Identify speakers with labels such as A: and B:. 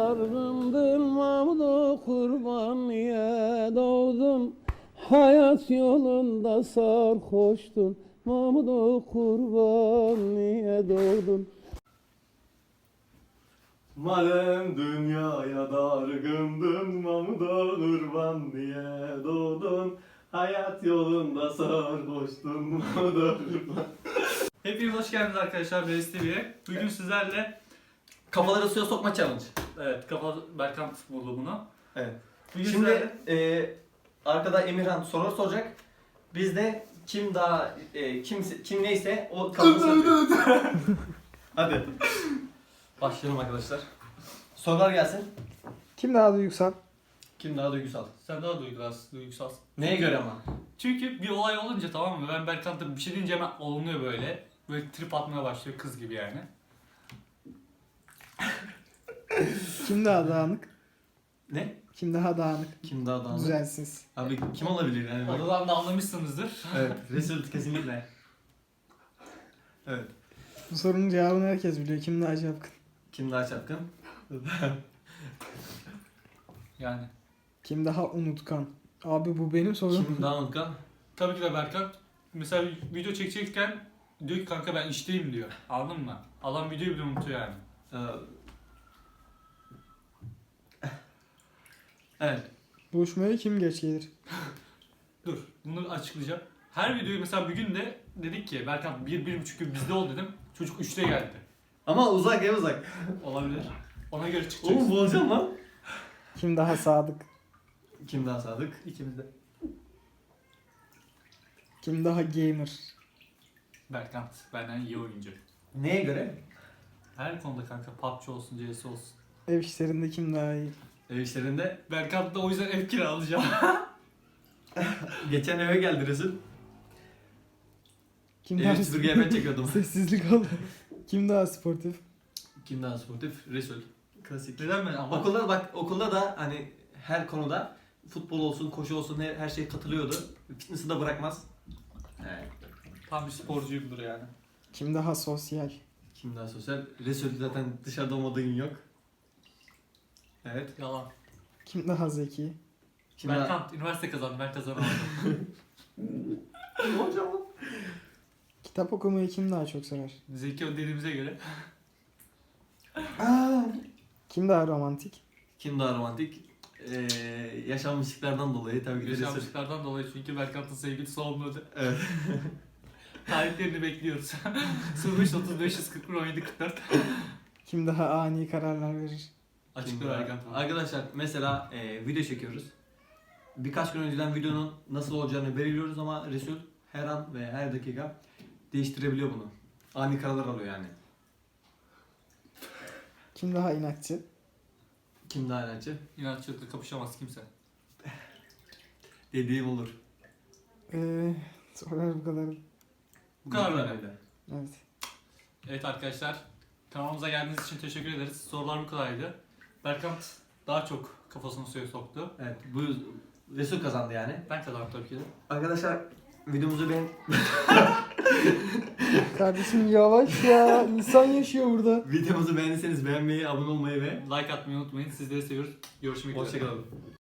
A: dargındır Mahmud'a kurban niye doğdun? Hayat yolunda sarhoştun Mahmud'a kurban niye doğdun?
B: Madem dünyaya dargındın, Mahmud'a kurban diye doğdun. Hayat yolunda sarhoştun, Mahmud'a kurban.
C: Hepiniz hoş geldiniz arkadaşlar Reis TV'ye. Bugün sizlerle
B: Kafaları suya sokma challenge.
C: evet Berkan buldu bunu.
B: Evet.
C: Bugün
B: Şimdi
C: sizlerle
B: arkada Emirhan sorular soracak. Biz de kim daha kim neyse o kafasını Hadi. Başlayalım arkadaşlar. Sorular gelsin.
D: Kim daha duygusal?
B: Kim daha duygusal?
C: sen daha duygusal.
B: Neye göre ama?
C: Çünkü bir olay olunca, tamam mı? Ben Berkan'da bir şey deyince hemen olunuyor böyle. Böyle trip atmaya başlıyor kız gibi yani.
D: Kim daha dağınık?
B: Ne?
D: Kim daha dağınık?
B: Kim daha dağınık?
D: Düzensiz.
B: Abi kim olabilir yani?
C: Oradan da anlamışsınızdır.
B: Evet, Resul kesinlikle. Evet.
D: Bu sorunun cevabını herkes biliyor. Kim daha çapkın?
B: Kim daha çapkın?
C: Yani.
D: Kim daha unutkan? Abi bu benim sorum.
B: Kim daha unutkan?
C: Tabii ki de Berkan. Mesela video çekecekken diyor ki kanka ben işteyim diyor. Anladın mı? Adam videoyu bile unutuyor yani.
B: Evet.
D: Buluşmaya kim geç gelir?
C: Dur, bunu açıklayacağım. Her videoyu mesela bir gün de dedik ki Berkan 1-1,5 gün bizde ol dedim. Çocuk 3'te geldi.
B: Ama uzak ya uzak.
C: Olabilir. Ona göre çıkacağız.
B: Oğlum bulacağım lan.
D: Kim daha sadık?
B: Kim daha sadık?
C: İkimiz de.
D: Kim daha gamer?
C: Berkan benden iyi oyuncu.
B: Neye göre?
C: Her konuda kanka, PUBG olsun, CS olsun.
D: Ev işlerinde kim daha iyi?
B: Ev işlerinde.
C: Berkan da o yüzden ev kiralayacağım.
B: Geçen eve geldi Resul.
D: Kim
B: Ev
D: daha
B: süpürge ben çekiyordum.
D: Sessizlik oldu. Kim daha sportif?
B: Kim daha sportif? Resul. Klasik.
C: Neden ben ama?
B: Okulda da hani her konuda futbol olsun, koşu olsun her şeye katılıyordu. Fitness'ı da bırakmaz. Evet.
C: Tam bir sporcuyumdur yani.
D: Kim daha sosyal?
B: Kim daha sosyal? Resul zaten dışarıda olmadığı gün yok. Evet.
C: Yalan.
D: Kim daha zeki?
B: Kim
C: Berkan üniversite kazandı, ben kazanamadım.
B: Hocam.
D: Kitap okumayı kim daha çok sever?
C: Zeki dediğimize göre.
D: Kim daha romantik?
B: Kim daha romantik? Yaşanmışlıklardan dolayı tabii ki de Resul.
C: Yaşanmışlıklardan dolayı, çünkü Berkan'ın sevgilisi olmadı.
B: Evet.
C: Tarihlerini bekliyoruz. 05 30 541 17 44.
D: Kim daha ani kararlar verir?
C: Açıkla Berkan.
B: Arkadaşlar mesela video çekiyoruz. Birkaç gün önceden videonun nasıl olacağını belirliyoruz ama Resul her an ve her dakika değiştirebiliyor bunu. Ani kararlar alıyor yani.
D: Kim daha inatçı?
B: Kim daha inatçı?
C: İnatçılıkla kapışamaz kimse.
B: Dediğim olur.
D: Sorular bu kadar.
C: Bu kadar mı?
B: öyle.
D: Evet.
C: Evet arkadaşlar, kanalımıza geldiğiniz için teşekkür ederiz. Sorular bu kadardı. Berkan daha çok kafasını suya soktu.
B: Evet, bu Resul kazandı yani.
C: Ben kazandım tabii ki de.
B: Arkadaşlar videomuzu
D: Kardeşim yavaş ya. İnsan yaşıyor burada.
B: videomuzu beğendiyseniz beğenmeyi, abone olmayı ve
C: Like atmayı unutmayın. Sizleri seviyoruz. Görüşmek üzere.
B: hoşçakalın.